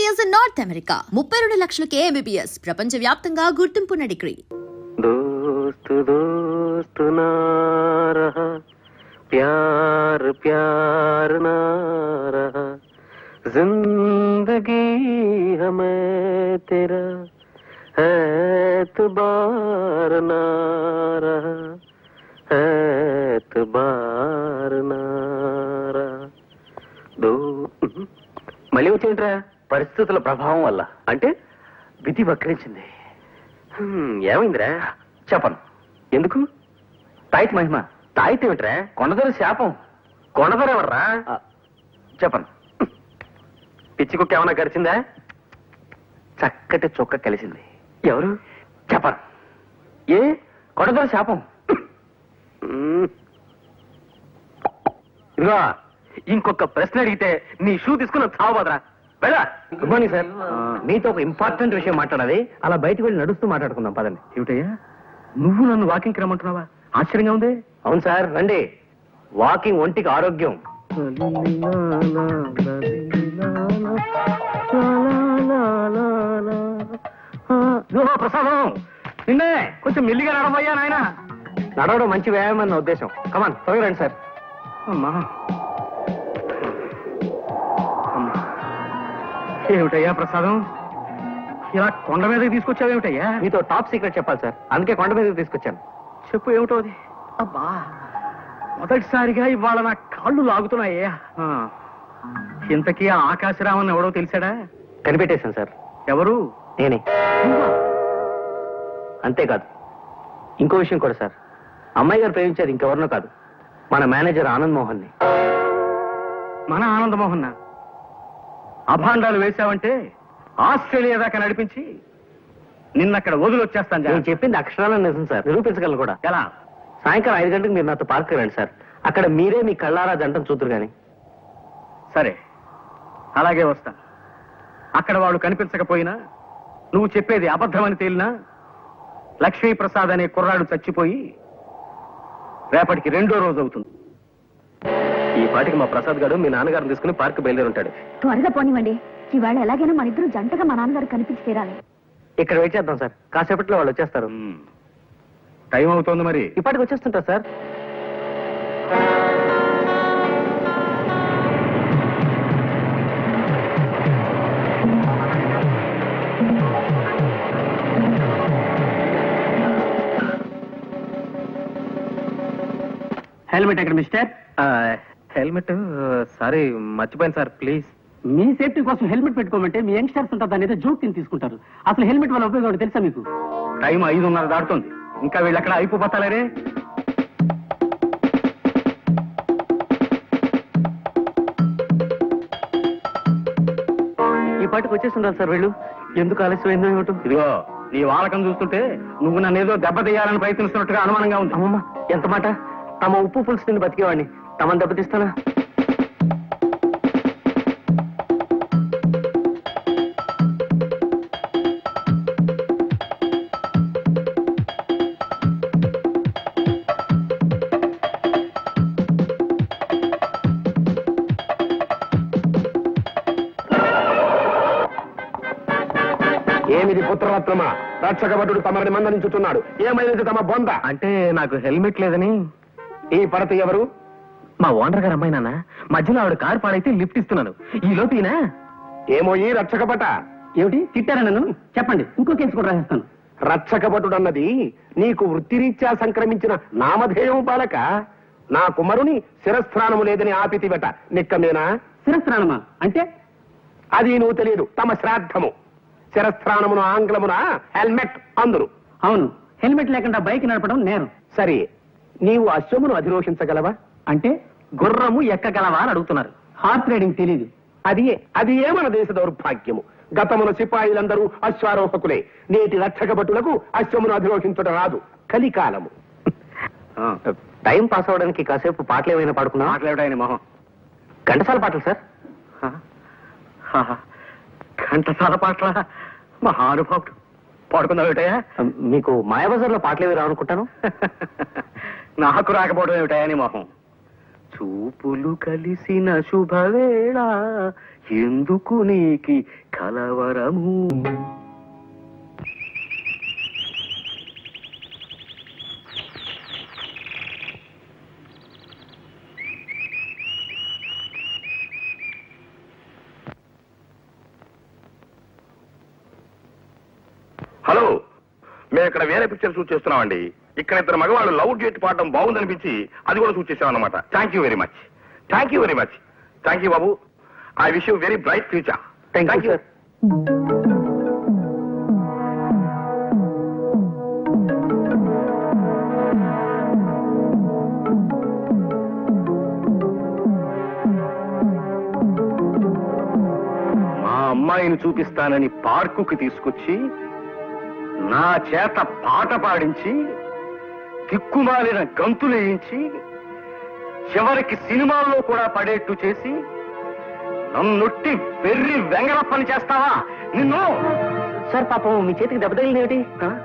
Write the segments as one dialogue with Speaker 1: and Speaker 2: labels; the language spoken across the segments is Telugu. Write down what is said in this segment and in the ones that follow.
Speaker 1: MBBS in North America. 32 లక్షలకే MBBS. ప్రపంచవ్యాప్తంగా గుర్తింపున్న డిగ్రీ.
Speaker 2: दोस्त दोस्त ना रहा प्यार प्यार ना रहा जिंदगी हमें तेरा एतबार ना रहा एतबार ना रहा दो మళ్ళీ వచ్చింట్రా పరిస్థితుల ప్రభావం వల్ల అంటే విధి వక్రించింది. ఏమైందిరా చెప్పను. ఎందుకు? తాయితీ మహిమ. తాయితీ ఏమిట్రా? కొండదొర శాపం. కొండదొర ఎవర్రా? చెప్పను. పిచ్చి కుక్క ఏమన్నా గడిచిందా? చక్కటి చొక్క కలిసింది. ఎవరు? చెప్పను. ఏ కొండదొర శాపం? ఇదిగో ఇంకొక ప్రశ్న అడిగితే నీ షూ తీసుకుని చావబోదరా. వెళ్ళా. Good morning sir. మీతో ఒక ఇంపార్టెంట్ విషయం మాట్లాడాలి. అలా బయటకు వెళ్ళి నడుస్తూ మాట్లాడుకుందాం పదండి. ఏమిటయ్యా నువ్వు నన్ను వాకింగ్కి రమ్మంటున్నావా? ఆశ్చర్యంగా ఉంది. అవును సార్ రండి. వాకింగ్ ఒంటికి ఆరోగ్యం. ప్రసాదం నిన్నే కొంచెం మెల్లిగా నడవయ్యా నాయన. నడవడం మంచి వ్యాయామం అన్న ఉద్దేశం. కమాన్ త్వరగా రండి సార్. అమ్మా ఏమిటయ్యా ప్రసాదం ఇలా కొండ మీదకి తీసుకొచ్చావేమిటయ్యా? మీతో టాప్ సీక్రెట్ చెప్పాలి సార్, అందుకే కొండ మీదకి తీసుకొచ్చాను. చెప్పు ఏమిటో అది. అబ్బా మొదటిసారిగా ఇవాళ నా కాళ్ళు లాగుతున్నాయ్యా. ఇంతకీ ఆ ఆకాశరామన్ ఎవడో తెలిసాడా? కనిపెట్టేశాను సార్. ఎవరు? నేనే. అంతేకాదు ఇంకో విషయం కూడా సార్. అమ్మాయి గారు ప్రేమించేది ఇంకెవరినో కాదు, మన మేనేజర్ ఆనంద్ మోహన్ ని. మన ఆనంద్ మోహన్ అభాండాలు వేశావంటే ఆస్ట్రేలియా దాకా నడిపించి నిన్నక్కడ వదిలొచ్చేస్తాను. నేను చెప్పింది అక్షరాలను నిజం సార్, నిరూపించగలను కూడా. ఎలా? సాయంకాలం 5 గంటలకు మీరు నాతో పార్క్ రండి సార్. అక్కడ మీరే మీ కళ్ళారా జంటను చూద్దరు గాని. సరే అలాగే వస్తా. అక్కడ వాడు కనిపించకపోయినా, నువ్వు చెప్పేది అబద్ధమని తేలినా, లక్ష్మీప్రసాద్ అనే కుర్రాడు చచ్చిపోయి రేపటికి 2వ రోజు అవుతుంది. ఈ పాటికి మా ప్రసాద్ గారు మీ నాన్నగారిని తీసుకుని పార్క్ బయలుదేరి ఉంటాడు.
Speaker 3: త్వరగా పోనివ్వండి. ఇవాళ ఎలాగైనా మన ఇద్దరు జంటగా మా నాన్నగారు కనిపించి తీరాలి.
Speaker 2: ఇక్కడ వెయిట్ చేద్దాం సార్, కాసేపట్లో వాళ్ళు వచ్చేస్తారు.
Speaker 4: టైం అవుతోంది మరి.
Speaker 2: ఇప్పటికి వచ్చేస్తుంటారు సార్.
Speaker 4: హెల్మెట్ ఎక్కడ మిస్టర్?
Speaker 2: హెల్మెట్ సారీ మర్చిపోయాను సార్, ప్లీజ్.
Speaker 4: మీ సేఫ్టీ కోసం హెల్మెట్ పెట్టుకోమంటే మీ యంగ్స్టర్స్ ఉంటారు దాని ఏదో జోక్ కింద తీసుకుంటారు. అసలు హెల్మెట్ వల్ల ఉపయోగం తెలుసా మీకు? టైం 5:30 దాటుతుంది, ఇంకా వీళ్ళు ఎక్కడ అయిపోతారే.
Speaker 2: ఈ పాటికి వచ్చేస్తుంటారు సార్ వీళ్ళు. ఎందుకు ఆలస్యమైందో ఏమిటో.
Speaker 4: ఇదిగో నీ వాలకం చూస్తుంటే నువ్వు నన్ను ఏదో దెబ్బతీయాలని ప్రయత్నిస్తున్నట్టుగా అనుమానంగా ఉంది.
Speaker 2: అమ్మమ్మ ఎంత మాట! తమ ఉప్పు పులుసు తిని బతికేవాడిని తమను దెబ్బతీస్తానా?
Speaker 5: ఏమిది పుత్రరత్నమా? రక్షకభటుడు తమరిని మందలించుతున్నాడు. ఏమైనది తమ బొంద?
Speaker 2: అంటే నాకు హెల్మెట్ లేదని.
Speaker 5: ఈ పడత ఎవరు?
Speaker 2: మా ఓనర్ గారు అమ్మాయి నాన్న. మధ్యలో ఆవిడ కారు పాడైతే లిఫ్ట్ ఇస్తున్నాను. ఈ లోపీనా?
Speaker 5: ఏమో ఈ రక్షకభట.
Speaker 4: ఏమిటి తిట్టారా నన్ను? చెప్పండి, ఇంకో కేసు కూడా రాసేస్తాను.
Speaker 5: రక్షకభటుడన్నది నీకు వృత్తిరీత్యా సంక్రమించిన నామధేయం బాలక. నా కుమారుని శిరస్త్రానము లేదని ఆపితివట. నిక్కమేనా?
Speaker 4: శిరస్త్రాణమా అంటే?
Speaker 5: అది నువ్వు తెలియదు. తమ శ్రాద్ధము. శిరస్త్రాణమును ఆంగ్లమున హెల్మెట్ అందురు.
Speaker 4: అవును, హెల్మెట్ లేకుండా బైక్ నడపడం నేరం.
Speaker 5: సరే, నీవు అశ్వమును అధిరోహించగలవా?
Speaker 4: అంటే
Speaker 2: గుర్రము ఎక్కగలవా అని అడుగుతున్నారు.
Speaker 4: హార్స్ రైడింగ్ తెలీదు.
Speaker 5: అది ఏ మన దేశ దౌర్భాగ్యము. గతమున సిపాయిలందరూ అశ్వారోహకులే. నేటి రక్షకభటులకు అశ్వమును అధిరోహించడం రాదు. కలికాలము.
Speaker 2: టైం పాస్ అవడానికి కాసేపు పాటలు ఏమైనా పాడుకున్నా?
Speaker 4: మాట్లాడాయని మొహం.
Speaker 2: ఘంటసాల పాటలు సార్.
Speaker 4: ఘంటసాల పాటల మహానుభావుడు. పాడుకుందాం ఏమిటయా?
Speaker 2: మీకు మాయాబజార్లో పాటలు ఏవి రావనుకుంటాను.
Speaker 4: నాకు రాకపోవడం ఏమిటయా నీ మొహం?
Speaker 2: చూపులు కలిసిన శుభవేళ ఎందుకు నీకి కలవరము.
Speaker 5: హలో, మేము ఇక్కడ వేరే పిక్చర్ షూట్ చేస్తున్నామండి. ఇక్కడ ఇద్దరు మగవాళ్ళు లవ్ గేట్ పాడడం బాగుందనిపించి అది కూడా షూట్ చేసాం అన్నమాట. Thank you very much. Thank you very much. Thank you బాబు. I wish you very bright future.
Speaker 2: Thank you sir. మా అమ్మాయిని చూపిస్తానని పార్కుకి తీసుకొచ్చి నా చేత పాట పాడించి దిక్కుమాలిన గంతులేయించి చివరికి సినిమాల్లో కూడా పడేట్టు చేసి నన్నొట్టి వెర్రి వెంగళ పని చేస్తావా నిన్ను? సార్ పాపం మీ చేతికి దెబ్బ తగిలిందేమిటి?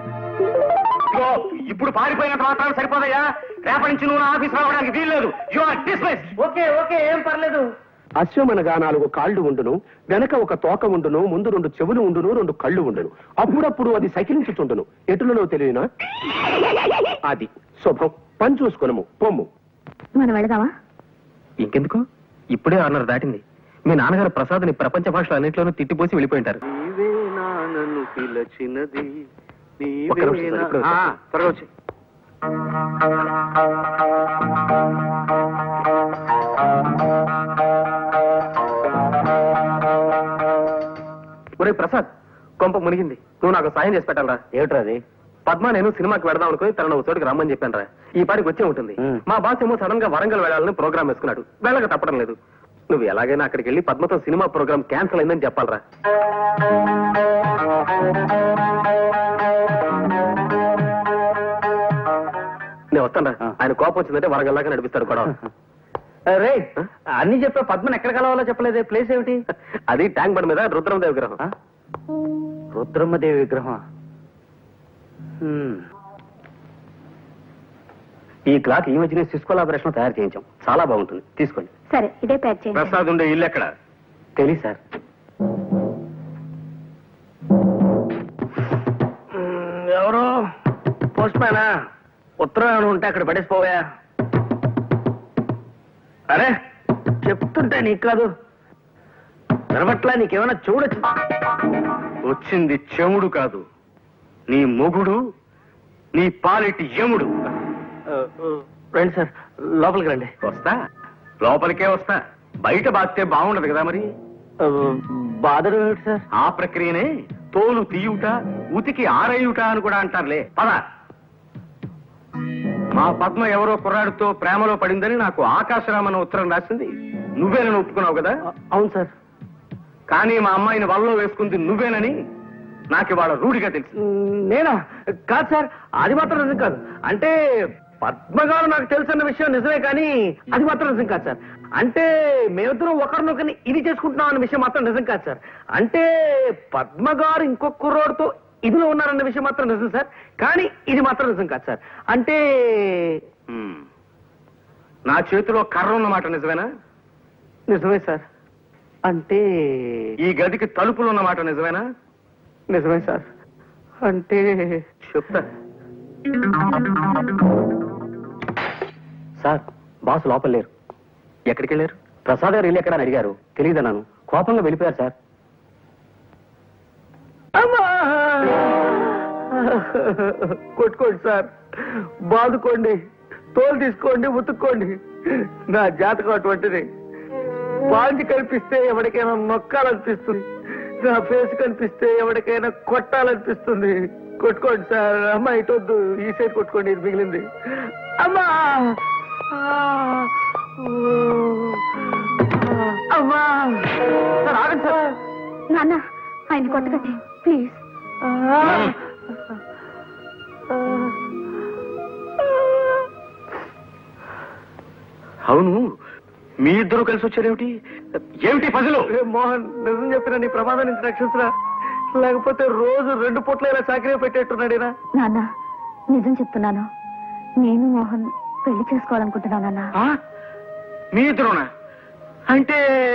Speaker 2: ఇప్పుడు పారిపోయినంత మాత్రం సరిపోదయ్యా. రేపటి నుంచి నువ్వు నా ఆఫీస్ రావడానికి వీల్లేదు. You are dismiss.
Speaker 4: Okay okay, ఏం పర్లేదు.
Speaker 5: అశ్వమనగా 4 కాళ్ళు ఉండును, వెనక ఒక తోక ఉండును, ముందు 2 చెవులు ఉండును, 2 కళ్ళు ఉండును. అప్పుడప్పుడు అది సకిలించుచుండును. ఎటులలో తెలియనా? అది శుభం. పని చూసుకునము పొమ్ము.
Speaker 3: మనం వెళదామా?
Speaker 2: ఇంకెందుకు, ఇప్పుడే 6:30 దాటింది. మీ నాన్నగారు ప్రసాద్ని ప్రపంచ భాషలో అన్నింటిలోనూ తిట్టిపోసి వెళ్ళిపోయింటారు. ఒక్క నిమిషం సార్, ఇప్పుడే వస్తా.
Speaker 5: త్వరగా వచ్చి.
Speaker 2: ఒరే ప్రసాద్, కొంప మునిగింది. నువ్వు నాకు సాయం చేసి పెట్టాలరా. ఏమిట్రా అది? పద్మ నేను సినిమాకి వెడదాం అనుకుని తనను ఒక చోటికి రమ్మని చెప్పాను రా. ఈ పాటికి వచ్చే ఉంటుంది. మా బాస్ ఏమో సడన్ గా వరంగల్ వెళ్ళాలని ప్రోగ్రామ్ వేసుకున్నాడు. వెళ్ళక తప్పడం లేదు. నువ్వు ఎలాగైనా అక్కడికి వెళ్ళి పద్మతో సినిమా ప్రోగ్రామ్ క్యాన్సిల్ అయిందని చెప్పాలరా. నేను వస్తాను రా. ఆయన కోపం వచ్చిందంటే వరంగల్ దాకా నడిపిస్తాడు కూడా.
Speaker 4: రే, అన్ని చెప్పా, పద్మని ఎక్కడ కలవాలో చెప్పలేదే. ప్లేస్ ఏమిటి?
Speaker 2: అది ట్యాంక్ బండ్ మీద రుద్రమదేవి విగ్రహం.
Speaker 4: రుద్రమ్మదేవి విగ్రహం.
Speaker 2: ఈ క్లాత్ ఈ మధ్యనే సిస్కో లాబరేషన్ తయారు చేయించాం. చాలా బాగుంటుంది, తీసుకోండి.
Speaker 3: సరే, ఇదే ప్యాక్ చేయండి.
Speaker 5: ప్రసాద్ ఉండే ఇల్లు ఎక్కడ?
Speaker 2: తెలియదు సార్.
Speaker 4: ఎవరు? పోస్ట్ మ్యానా? ఉత్తరం ఏమైనా ఉంటే అక్కడ పడేసిపోయా. అరే, చెప్తుంటే నీకు కాదు వినబట్లా? నీకేమైనా చూడొచ్చు.
Speaker 5: వచ్చింది చెముడు కాదు, నీ మొగుడు, నీ పాలిటి యముడు.
Speaker 4: రండి సార్, లోపలికి రండి.
Speaker 5: వస్తా, లోపలికే వస్తా. బయట బాస్తే బాగుండదు కదా మరి.
Speaker 4: బాధలు ఏమిటి సార్?
Speaker 5: ఆ ప్రక్రియనే తోలు తీయుట, ఉతికి ఆరేయుట అని కూడా అంటారులే. పద. మా పద్మ ఎవరో కుర్రాడితో ప్రేమలో పడిందని నాకు ఆకాశరామన్న ఉత్తరం రాసింది. నువ్వేనని ఒప్పుకున్నావు కదా?
Speaker 4: అవును సార్.
Speaker 5: కానీ మా అమ్మాయిని వలలో వేసుకుంది నువ్వేనని నాకు ఇవాళ రూఢిగా తెలుసు.
Speaker 4: నేనా? కాదు సార్, అది మాత్రం నిజం కాదు. అంటే పద్మగారు నాకు తెలుసన్న విషయం నిజమే, కానీ అది మాత్రం నిజం కాదు సార్. అంటే మేమిద్దరం ఒకరినొకరిని ఇది చేసుకుంటున్నాం అన్న విషయం మాత్రం నిజం కాదు సార్. అంటే పద్మగారు ఇంకొక కుర్రోడితో ఇదిలో ఉన్నారన్న విషయం మాత్రం నిజం సార్, కానీ ఇది మాత్రం నిజం కాదు సార్. అంటే
Speaker 5: నా చేతిలో కర్ర ఉన్నమాట నిజమేనా?
Speaker 4: నిజమే సార్. అంటే
Speaker 5: ఈ గదికి తలుపులు ఉన్నమాట నిజమేనా?
Speaker 4: నిజమే సార్. అంటే
Speaker 5: చెప్తా.
Speaker 2: సార్, బాస్ లోపల లేరు. ఎక్కడికి వెళ్ళారు? ప్రసాద్ గారు ఇల్లు ఎక్కడ అని అడిగారు. తెలియదన్నాను. కోపంగా వెళ్ళిపోయారు సార్.
Speaker 4: అమ్మా! కొట్టుకోండి సార్, బాదుకోండి, తోలు తీసుకోండి, ఉతుక్కోండి. నా జాతకం అటువంటిది. పాంచి కనిపిస్తే ఎవరికైనా నొక్కాలనిపిస్తుంది, నా ఫేస్ కనిపిస్తే ఎవరికైనా కొట్టాలనిపిస్తుంది. కొట్టుకోండి సార్. అమ్మా ఇటొద్దు, ఈ సైడ్ కొట్టుకోండి, ఇది మిగిలింది. అమ్మా! అమ్మా! సార్ ఆగండి సార్.
Speaker 3: నాన్న, ఆయన కొట్టకండి ప్లీజ్.
Speaker 5: అవును, మీ ఇద్దరు కలిసి వచ్చారేమిటి? ఏమిటి పజలు?
Speaker 4: మోహన్, నిజం చెప్పిన నీ ప్రమాదం నుంచి రక్షించరా, లేకపోతే రోజు 2 పూట్ల ఇలా చాకరీ పెట్టేట్టున్నాడేనా?
Speaker 3: నాన్న, నిజం చెప్తున్నాను. నేను మోహన్ పెళ్లి చేసుకోవాలనుకుంటున్నాను నాన్న.
Speaker 2: మీ ఇద్దరునా? అంటే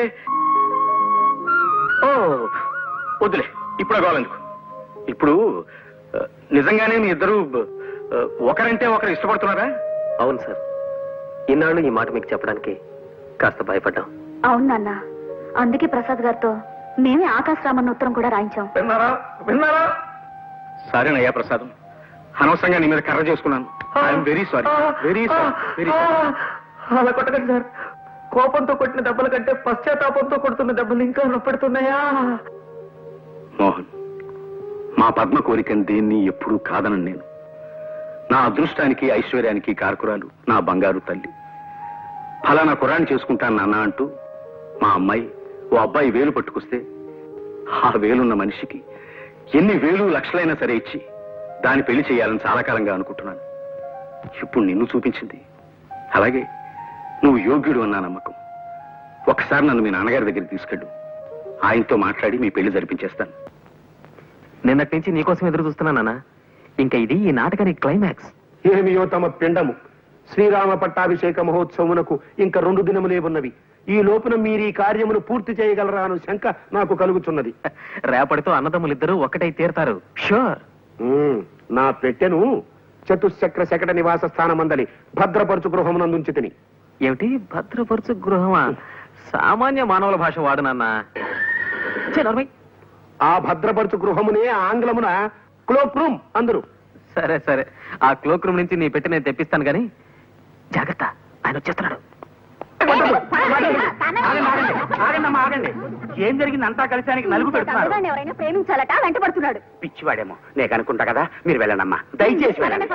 Speaker 2: ఓ వద్దులే, ఇప్పుడు కావాలెందుకు. ఇప్పుడు నిజంగానే మీ ఇద్దరు ఒకరంటే ఒకరు ఇష్టపడుతున్నారా?
Speaker 4: అవును సార్, ఇన్నాళ్ళు ఈ మాట మీకు చెప్పడానికి కాస్త భయపడ్డాం.
Speaker 3: అవును నాన్న, అందుకే ప్రసాద్ గారితో మేమే ఆకాశరామన్న ఉత్తరం కూడా రాయించాం.
Speaker 5: విన్నారా విన్నారా?
Speaker 2: సారీనయ్యా ప్రసాదం, అనవసరంగా నీ మీద కర్ర చేసుకున్నాను. I'm very sorry, very sorry, very sorry.
Speaker 4: అలా కొట్టకండి సార్. కోపంతో కొట్టిన దెబ్బల కంటే పశ్చాత్తాపంతో కొడుతున్న దెబ్బలు ఇంకా నొప్పెడుతున్నాయా?
Speaker 2: మోహన్, మా పద్మ కోరికని దేన్ని ఎప్పుడూ కాదనను నేను. నా అదృష్టానికి ఐశ్వర్యానికి కారకురాలు నా బంగారు తల్లి. ఫలానా కుర్రాన్ని చేసుకుంటాను నాన్న అంటూ మా అమ్మాయి ఓ అబ్బాయి వేలు పట్టుకొస్తే ఆ వేలున్న మనిషికి ఎన్ని వేలు లక్షలైనా సరే ఇచ్చి దాన్ని పెళ్లి చేయాలని చాలా కాలంగా అనుకుంటున్నాను. ఇప్పుడు నిన్ను చూపించింది. అలాగే నువ్వు యోగ్యుడు అన్న నమ్మకం. ఒకసారి నన్ను మీ నాన్నగారి దగ్గరికి తీసుకెళ్ళు. ఆయనతో మాట్లాడి మీ పెళ్లి జరిపించేస్తాను.
Speaker 4: నిన్నటి నుంచి నీకోసం ఎదురు చూస్తున్నానా? ఇంకా ఇది ఈ నాటకానికి క్లైమాక్స్.
Speaker 6: ఏమియో తమ పిండము. శ్రీరామ పట్టాభిషేక మహోత్సవమునకు ఇంకా 2 దినములే ఉన్నవి. ఈ లోపున మీరు ఈ కార్యమును పూర్తి చేయగలరా అను శంక నాకు కలుగుతున్నది.
Speaker 4: రేపటితో అన్నదమ్ములిద్దరూ ఒక్కటై తీరుతారు. షూర్.
Speaker 6: నా పెట్టెను చతుశ్చక్ర శకట నివాస స్థానమందలి భద్రపరచు గృహమునందుంచి తిని.
Speaker 4: ఏమిటి భద్రపరచు గృహమా? సామాన్య మానవుల భాష వాడునన్నా.
Speaker 6: ఆ భద్రపరచు గృహమునే ఆంగ్లమున క్లోక్ రూమ్ అందరు.
Speaker 4: సరే సరే, ఆ క్లోక్ రూమ్ నుంచి నీ పెట్టి నేను తెప్పిస్తాను గాని జాగ్రత్త, ఆయన వచ్చేస్తున్నాడు.
Speaker 2: ఆగండి. ఏం జరిగింది? అంతా కలిసి ఆయనకి నలుగు పెడుతున్నారు.
Speaker 3: ఎవరైనా ప్రేమించాలట, వెంటబడుతున్నాడు.
Speaker 2: పిచ్చివాడేమో, నేను అనుకుంటా కదా. మీరు వెళ్ళండమ్మా, దయచేసి వెళ్ళండి.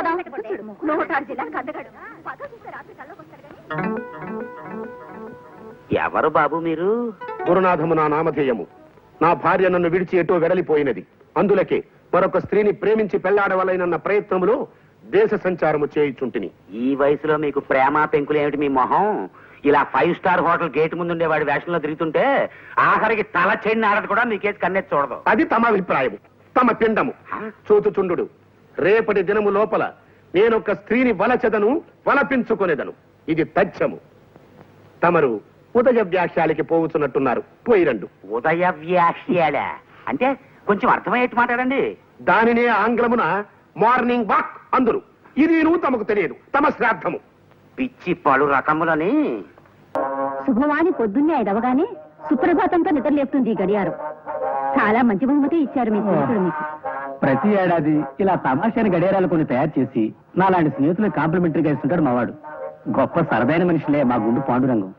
Speaker 2: ఎవరు బాబు మీరు?
Speaker 6: గురునాథము నా నామధేయము. నా భార్య నన్ను విడిచి ఎటో వెడలిపోయినది. అందులకే మరొక స్త్రీని ప్రేమించి పెళ్లాడవలైనన్న ప్రయత్నములో దేశ సంచారము చేయుచుంటిని.
Speaker 2: ఈ వయసులో మీకు ప్రేమ పెంకులు ఏమిటి మీ మొహం? ఇలా 5 స్టార్ హోటల్ గేట్ ముందు ఉండేవాడి వేషంలో తిరుగుతుంటే ఆఖరికి తల చెండి ఆడదు కూడా మీకేసి కన్నెత్తి చూడదు.
Speaker 6: అది తమ అభిప్రాయము, తమ పిండము. చూచుచుండు, రేపటి దినము లోపల నేనొక స్త్రీని వలచెదను, వలపించుకొనేదను. ఇది తథ్యము. తమరు ఉదయ వ్యాఖ్యాలకి పోవుచున్నట్టున్నారు. పోయిరండు.
Speaker 2: ఉదయ వ్యాఖ్యాల అంటే కొంచెం అర్థమయ్యేట్టు మాట్లాడండి.
Speaker 6: దానినే ఆంగ్లమున మార్నింగ్ వాక్ అందరు. ఇది తమకు తెలియదు. తమ శ్రాద్ధము.
Speaker 2: పిచ్చి పలు రకములని.
Speaker 3: శుభవాణి పొద్దున్నే 5 అవగానే సుప్రభాతంతో నిద్రలేపుతుంది ఈ గడియారం. చాలా మంచి బహుమతి ఇచ్చారు మీ స్నేహితుడు మీకు.
Speaker 7: ప్రతి ఏడాది ఇలా తమాషాని గడియారాలు కొన్ని తయారు చేసి నాలాంటి స్నేహితులకు కాంప్లిమెంటరీగా ఇస్తుంటాడు మావాడు. గొప్ప సరదైన మనిషిలే మా గుండు పాండురంగం.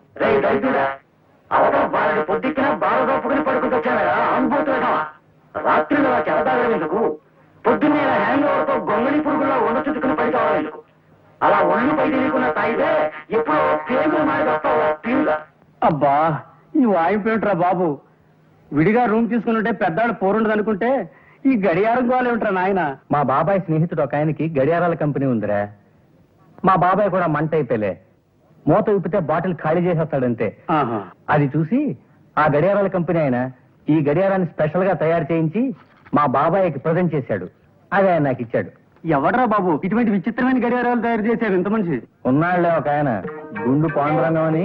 Speaker 2: పొద్దున బాగా పడుకుంటొచ్చారా రాత్రిలో చెడతాగేందుకు? పొద్దున్నే హ్యాంగోవర్తో గొంగళి పురుగుల్లో వంద చుట్టుకుని పడి కావాలెందుకు? అలా ఒళ్ళు పై తెలియకుండా తాగితే ఎప్పుడో పేగులు మారిపోతావు.
Speaker 7: అబ్బా, ఈ వాయింపేమిట్రా బాబు. విడిగా రూమ్ తీసుకున్నట్టే పెద్దాడు పోరుండదు అనుకుంటే ఈ గడియారం గోలేమిట్రా నాయన. మా బాబాయ్ స్నేహితుడు ఒక ఆయనకి గడియారాల కంపెనీ ఉందిరా. మా బాబాయ్ కూడా మంట అయిపోలే. మూత విప్పితే బాటిల్ ఖాళీ చేసేస్తాడంతే. అది చూసి ఆ గడియారాల కంపెనీ ఆయన ఈ గడియారాన్ని స్పెషల్ గా తయారు చేయించి మా బాబాయ్కి ప్రజెంట్ చేశాడు. అది ఆయన నాకు ఇచ్చాడు. ఎవడరా బాబు ఇటువంటి విచిత్రమైన గడియారాలు తయారు చేశారు ఇంత మనిషి? ఉన్నాళ్లే ఒక ఆయన, గుండు పాండురంగం అని.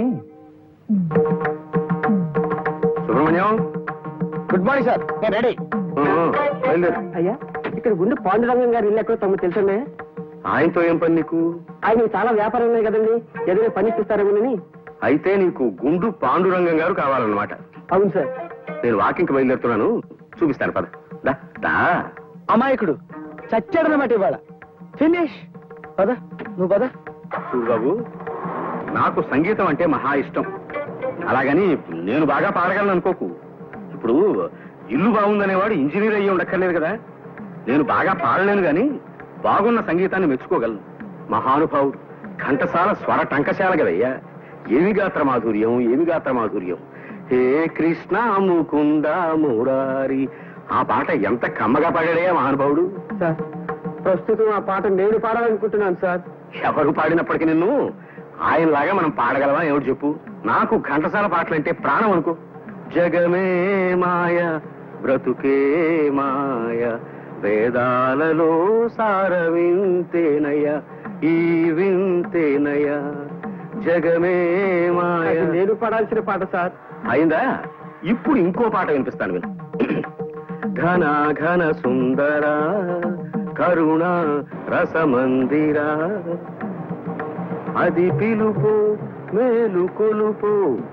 Speaker 6: సుబ్రహ్మణ్యం,
Speaker 7: గుడ్ మార్నింగ్ సార్, నేను రెడీ.
Speaker 4: అయ్యా, ఇక్కడ గుండు పాండురంగం గారు ఇల్లు ఎక్కడో తమకు తెలుసుండే?
Speaker 6: ఆయనతో ఏం పని నీకు?
Speaker 4: ఆయన చాలా వ్యాపారం ఉన్నాయి కదండి, ఏదైనా పని ఇప్పిస్తారేమోనని.
Speaker 6: అయితే నీకు గుండు పాండురంగం గారు కావాలన్నమాట.
Speaker 4: అవును సార్.
Speaker 6: నేను వాకింగ్కి బయలుదేరుతున్నాను, చూపిస్తాను. పద. దా, దా.
Speaker 4: అమాయకుడు చచ్చాడనమాట ఇవాళ. ఫినిష్. పద, నువ్వు పద.
Speaker 6: చూడు బాబు, నాకు సంగీతం అంటే మహా ఇష్టం. అలాగని నేను బాగా పాడగలను అనుకోకు. ఇప్పుడు ఇల్లు బాగుందనేవాడు ఇంజనీర్ అయ్యి ఉండక్కర్లేదు కదా. నేను బాగా పాడలేను గాని బాగున్న సంగీతాన్ని మెచ్చుకోగలను. మహానుభావుడు, ఘంటసాల స్వర టంకశాల కదయ్యా. ఏమి గాత్ర మాధుర్యం, ఏమి గాత్ర మాధుర్యం. హే కృష్ణ ముకుంద మురారి. ఆ పాట ఎంత కమ్మగా పాడాడయ్యా మహానుభావుడు.
Speaker 4: సార్, ప్రస్తుతం ఆ పాట నేను పాడాలనుకుంటున్నాను సార్.
Speaker 6: ఎవరు పాడినప్పటికీ నిన్ను ఆయనలాగా మనం పాడగలవా ఏమిటి చెప్పు. నాకు ఘంటసాల పాటలంటే ప్రాణం అనుకో. జగమే మాయ బ్రతుకే మాయ, వేదాలలో సార వింతేనయ, ఈ వింతేనయ, జగమే మాయ.
Speaker 4: అది నేను పడాల్సిన పాట సార్.
Speaker 6: అయిందా? ఇప్పుడు ఇంకో పాట వినిపిస్తాను విను. ఘన ఘన సుందర కరుణ రసమందిర అది పిలుపు మేలు కొలుపు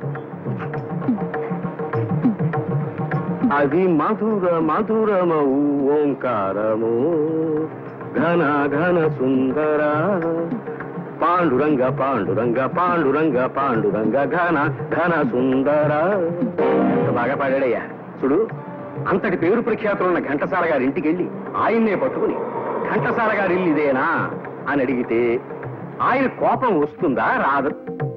Speaker 6: అది మధుర మధురమౌ ఓంకారము ఘన ఘన సుందర పాండురంగ పాండురంగ పాండురంగ పాండురంగ ఘన ఘన సుందర. బాగా పాడాడయ్యా. చూడు, అంతటి పేరు ప్రఖ్యాతులు ఉన్న ఘంటసాల గారి ఇంటికి వెళ్ళి ఆయన్నే పట్టుకుని ఘంటసాల గారి ఇల్లు ఇదేనా అని అడిగితే ఆయన కోపం వస్తుందా రాదు?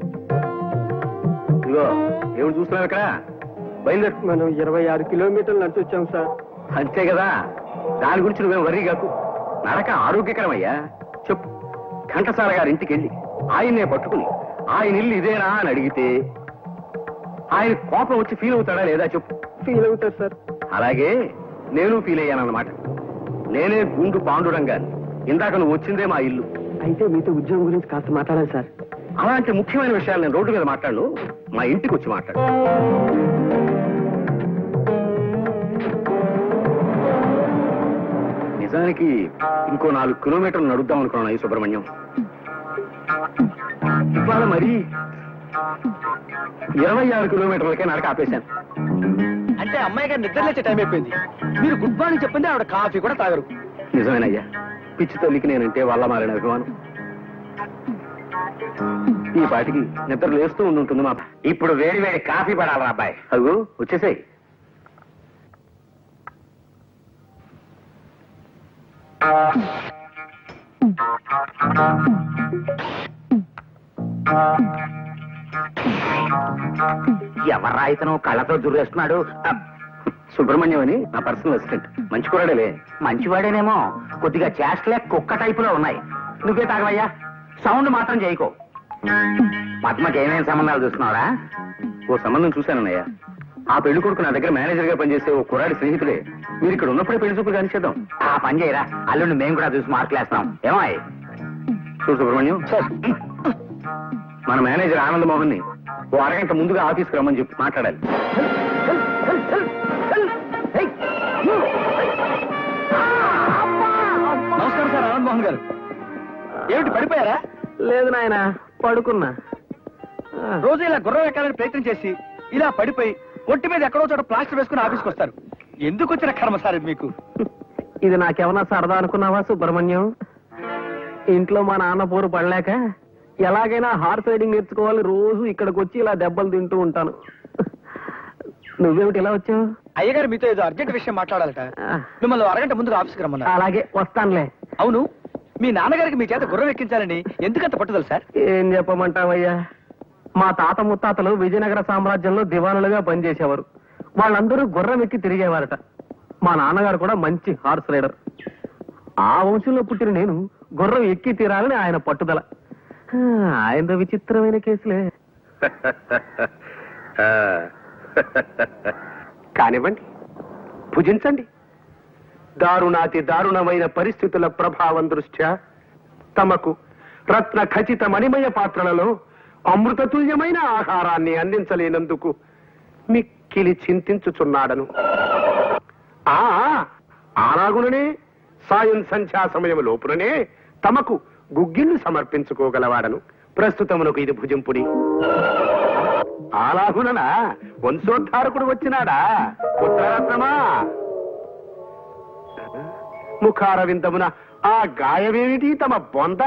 Speaker 6: ఇదిగో ఏమిటి చూస్తున్నావు ఇక్కడ? బయలుదేరు.
Speaker 4: మనం 26 కిలోమీటర్లు నడిచి వచ్చాం సార్.
Speaker 6: అంతే కదా, దాని గురించి నువ్వేం వర్రీ కాకు. నడక ఆరోగ్యకరమయ్యా. చెప్పు, ఘంటసాల గారి ఇంటికి వెళ్ళి ఆయన్నే పట్టుకుని ఆయన ఇల్లు ఇదేనా అని అడిగితే ఆయన కోపం వచ్చి ఫీల్ అవుతాడా లేదా చెప్పు.
Speaker 4: ఫీల్ అవుతారు సార్.
Speaker 6: అలాగే నేను ఫీల్ అయ్యానన్నమాట. నేనే గుండు పాండురంగాన్ని. ఇందాక నువ్వు వచ్చిందే మా ఇల్లు.
Speaker 4: అయితే మీతో ఉద్యోగం గురించి కాస్త మాట్లాడాలి సార్.
Speaker 6: అలాంటి ముఖ్యమైన విషయాలు నేను రోడ్డు మీద మాట్లాడు, మా ఇంటికి వచ్చి మాట్లాడు. నిజానికి ఇంకో 4 కిలోమీటర్లు నడుద్దాం అనుకున్నాను ఈ సుబ్రహ్మణ్యం. ఇవాళ మరి 26 కిలోమీటర్లకే నడక ఆపేశాను.
Speaker 7: అంటే అమ్మాయి గారు నిద్ర లేచే టైం అయిపోయింది. మీరు గుడ్ మార్నింగ్ చెప్పింది ఆవిడ కాఫీ కూడా తాగరు.
Speaker 6: నిజమేనయ్యా, పిచ్చి తల్లికి నేనంటే వల్ల మారిన అభిమానం. ఈ పాటికి నిద్ర లేస్తూ ఉంటుంది మా.
Speaker 2: ఇప్పుడు వేడి వేడి కాఫీ పడాలి అబ్బాయి.
Speaker 6: అదిగో వచ్చేసాయి.
Speaker 2: ఎవరా ఇతను కళ్ళతో దుర్రేస్తున్నాడు?
Speaker 6: సుబ్రహ్మణ్యం అని నా పర్సనల్ అసిస్టెంట్. మంచి కూరడేలే.
Speaker 2: మంచివాడేనేమో, కొద్దిగా చేష్టలే కుక్క టైపులో ఉన్నాయి. నువ్వే తాగవయ్యా, సౌండ్ మాత్రం చేయకో. పద్మకి ఏమేమి సంబంధాలు చూస్తున్నావురా?
Speaker 6: ఓ సంబంధం చూశానన్నయ్య. ఆ పెళ్లి కొడుకు నా దగ్గర మేనేజర్ గా పనిచేసే ఓ కుర్రాడి స్నేహితుడే. మీరు ఇక్కడ ఉన్నప్పుడే పెళ్లి చూపులు కానిచేద్దాం.
Speaker 2: ఆ పని చేయరా, అల్లుండి మేము కూడా చూసి మార్కులేస్తాం. ఏమాయ్?
Speaker 6: చూడు సుబ్రహ్మణ్యం, మన మేనేజర్ ఆనంద్ మోహన్ ని ఓ అరగంట ముందుగా ఆఫీస్కి రమ్మని చెప్పి మాట్లాడాలి.
Speaker 7: నమస్కారం సార్ ఆనంద్ మోహన్ గారు. ఏమిటి పడిపోయారా?
Speaker 4: లేదు నాయన, పడుకున్నా.
Speaker 7: రోజు ఇలా గుర్రం ఎక్కాలని ప్రయత్నం చేసి ఇలా పడిపోయి ఒంటి మీద ఎక్కడో చోట ప్లాస్టర్ వేసుకుని ఆఫీస్కి వస్తారు. ఎందుకు వచ్చిన కర్మ సార్ ఇది మీకు?
Speaker 4: ఇది నాకేమన్నా సరదా అనుకున్నావా సుబ్రహ్మణ్యం? ఇంట్లో మా నాన్న పోరు పడలేక ఎలాగైనా హార్స్ రైడింగ్ నేర్చుకోవాలి, రోజు ఇక్కడికి వచ్చి ఇలా దెబ్బలు తింటూ ఉంటాను. నువ్వేమిటి ఇలా వచ్చావు?
Speaker 7: అయ్యగారు మీతో ఏదో అర్జెంట్ విషయం మాట్లాడాలట. మిమ్మల్ని అరగంట ముందుగా ఆఫీస్కి రమ్మన్నారు.
Speaker 4: అలాగే వస్తానులే.
Speaker 7: అవును, మీ నాన్నగారికి మీ చేత గుర్రం ఎక్కించాలని ఎందుకంత పట్టుదల సార్?
Speaker 4: ఏం చెప్పమంటావయ్యా, మా తాత ముత్తాతలు విజయనగర సామ్రాజ్యంలో దివానులుగా పనిచేసేవారు. వాళ్ళందరూ గుర్రం ఎక్కి తిరిగేవారట. మా నాన్నగారు కూడా మంచి హార్స్ రైడర్. ఆ వంశంలో పుట్టిన నేను గుర్రం ఎక్కి తీరాలని ఆయన పట్టుదల. ఆయన విచిత్రమైన కేసులే. కానివ్వండి, భుజించండి. దారుణాతి దారుణమైన పరిస్థితుల ప్రభావం దృష్ట్యా తమకు రత్న ఖచ్చిత మణిమయ పాత్రలలో అమృతతుల్యమైన ఆహారాన్ని అందించలేనందుకు మిక్కిలి చింతించుచున్నాడను. అలాగుననే సాయం సంధ్యా సమయం లోపుననే తమకు గుగ్గిళ్ళు సమర్పించుకోగలవాడను. ప్రస్తుతమునకు ఇది భుజింపుడి. అలాగుననా వంశోద్ధారకుడు వచ్చినాడా? పుత్రరత్నమా, ముఖారవిందమున ఆ గాయమేమిటి తమ బొంద?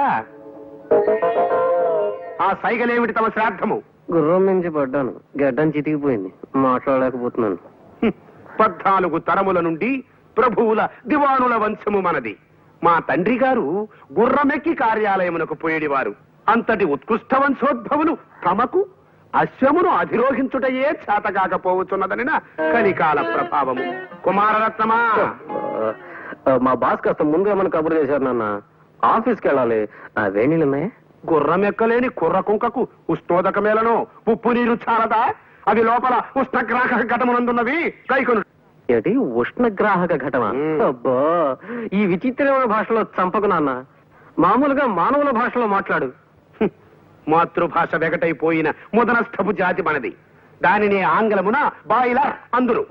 Speaker 4: ఆ సైగలేమిటి తమ శ్రాద్ధము?
Speaker 2: గుర్రం నుంచి పడ్డాను, గడ్డం చితికిపోయింది, మాట్లాడలేకపోతున్నాను.
Speaker 4: 14 తరముల నుండి ప్రభువుల దివానుల వంశము మనది. మా తండ్రి గారు గుర్రమెక్కి కార్యాలయమునకు పోయేడివారు. అంతటి ఉత్కృష్ట వంశోద్భవులు తమకు అశ్వమును అధిరోహించుటయే చేతకాకపోవచ్చున్నదనిన కలికాల ప్రభావము. కుమారరత్నమా,
Speaker 2: మా బాస్ కాస్త ముందుగా మన కబురు చేశారు నాన్న. ఆఫీస్కి వెళ్ళాలి. వేణీలు ఉన్నాయా?
Speaker 4: గుర్రం ఎక్కలేని కుర్ర కుంకకు ఉష్ణోదకమేలను ఉప్పు నీరు చాలదా? అవి లోపల ఉష్ణగ్రాహక ఘటమునందున్నవి. కైకొను.
Speaker 2: ఏంటి ఉష్ణగ్రాహక ఘటన? అబ్బా, ఈ విచిత్రమైన భాషలో చంపకు నాన్న. మామూలుగా మానవుల భాషలో మాట్లాడు.
Speaker 6: మాతృభాష వెగటైపోయిన ముదనస్థపు జాతి మనది. దానిని ఆంగ్లమున బాయిలర్ అందురు.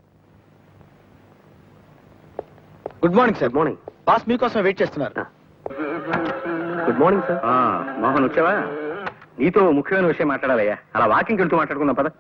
Speaker 4: Good morning sir.
Speaker 2: Morning.
Speaker 4: Boss మీకోసం వెయిట్ చేస్తున్నారు.
Speaker 2: Good morning sir.
Speaker 6: మోహన్ వచ్చావా? నీతో ముఖ్యమైన విషయం మాట్లాడాలయ్యా. అలా వాకింగ్ వెళ్తూ మాట్లాడుకుందాం పద.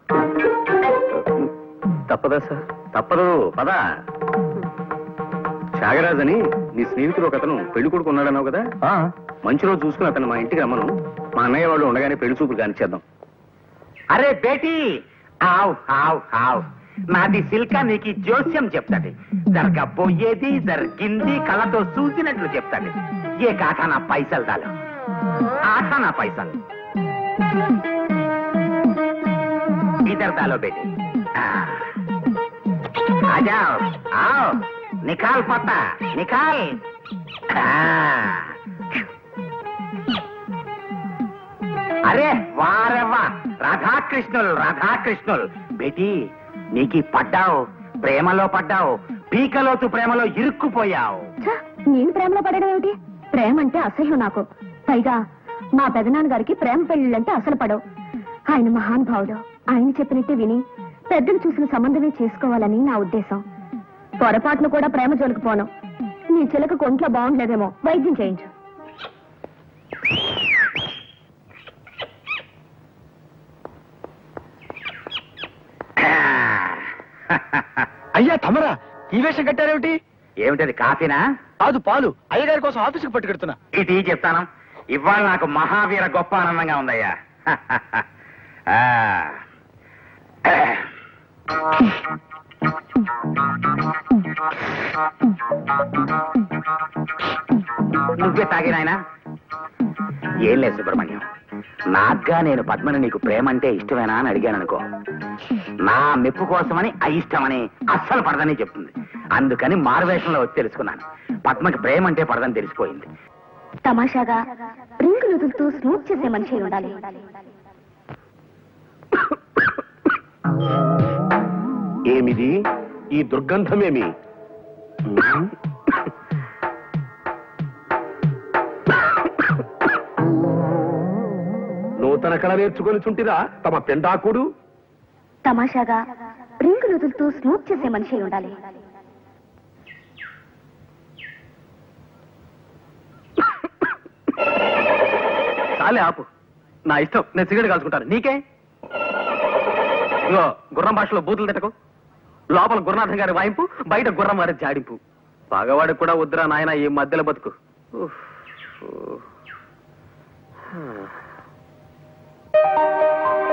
Speaker 2: తప్పదా సార్?
Speaker 6: తప్పదు పద. త్యాగరాజ్ అని నీ స్నేహితుడు ఒక అతను పెళ్లి కొడుకు ఉన్నాడన్నావు కదా, మంచి రోజు చూసుకుని అతను మా ఇంటికి రమ్మను. మా అన్నయ్య వాళ్ళు ఉండగానే పెళ్లి చూపులు కానిచ్చేద్దాం.
Speaker 8: అరే బేటీ, ఆవ్ ఆవ్ ఆవ్, నాది సిల్క నీకు జోస్యం చెప్తాది. జరగబోయేది జరిగింది కళ్ళతో చూసినట్లు చెప్తాది. ఏ కాకా నా పైసలు దాలు, ఆఖా నా పైసలు ఇద్దరు దాలో బేటీ. ఆజాओ आओ, నికాల్ పత్తా నికాల్. అరే వారెవ్వా, రాధాకృష్ణులు రాధాకృష్ణులు. బేటీ నీకు పడ్డావు, ప్రేమలో పడ్డావు, పీకలోతు ప్రేమలో ఇరుక్కుపోయావు.
Speaker 3: ఛ, నేను ప్రేమలో పడడం ఏమిటి? ప్రేమ అంటే అసహ్యం నాకు. పైగా మా పెదనాన్నగారికి ప్రేమ పెళ్లిళ్ళంటే అసలు పడవు. ఆయన మహానుభావుడు. ఆయన చెప్పినట్టే విని పెద్దలు చూసిన సంబంధమే చేసుకోవాలని నా ఉద్దేశం. పొరపాటును కూడా ప్రేమ జోలికి పోను. నీ చిలక ఒంట్లో బాగుండలేదేమో, వైద్యం చేయించు.
Speaker 4: అయ్యా తమరా ఈ వేషం కట్టారేమిటి?
Speaker 8: ఏమిటది, కాఫీనా?
Speaker 4: కాదు, పాలు. అయ్యగారి కోసం ఆఫీసుకు పట్టుకెడుతున్నా.
Speaker 8: ఇది చెప్తాను. ఇవాళ నాకు మహావీర గొప్ప ఆనందంగా ఉందయ్యా. నువ్వే తాగినాయనా? ఏం లేదు సుబ్రహ్మణ్యం, నాగ్గా నేను పద్మని నీకు ప్రేమ అంటే ఇష్టమేనా అని అడిగాను అనుకో, నా మెప్పు కోసమని అయిష్టమని అస్సలు పడదని చెప్తుంది. అందుకని మారువేషంలో వచ్చి తెలుసుకున్నాను. పద్మకి ప్రేమ అంటే పడదని తెలిసిపోయింది.
Speaker 3: తమాషాగా రింగులు వదులుతూ స్మూత్ చేసే మనిషి ఉండాలి.
Speaker 6: ఏమిది ఈ దుర్గంధమేమి? నూతన కళ నేర్చుకొని చుంటిరా తమ పెండాకుడు.
Speaker 3: తమాషాగా రింగులు వదులుతూ స్మూత్ చేసే మనిషి ఉండాలి.
Speaker 2: చాలే ఆపు. నా ఇష్టం, నేను సిగరెట్ కాల్చుకుంటాను. నీకే? ఇగో గుర్రం భాషలో బూతులు తిట్టకు. లోపల గురునాథం గారి వాయింపు, బయట గుర్రం వారి జాడింపు. పగవాడికి కూడా వద్దురా నాయన ఈ మధ్యలో బతుకు. ఉఫ్.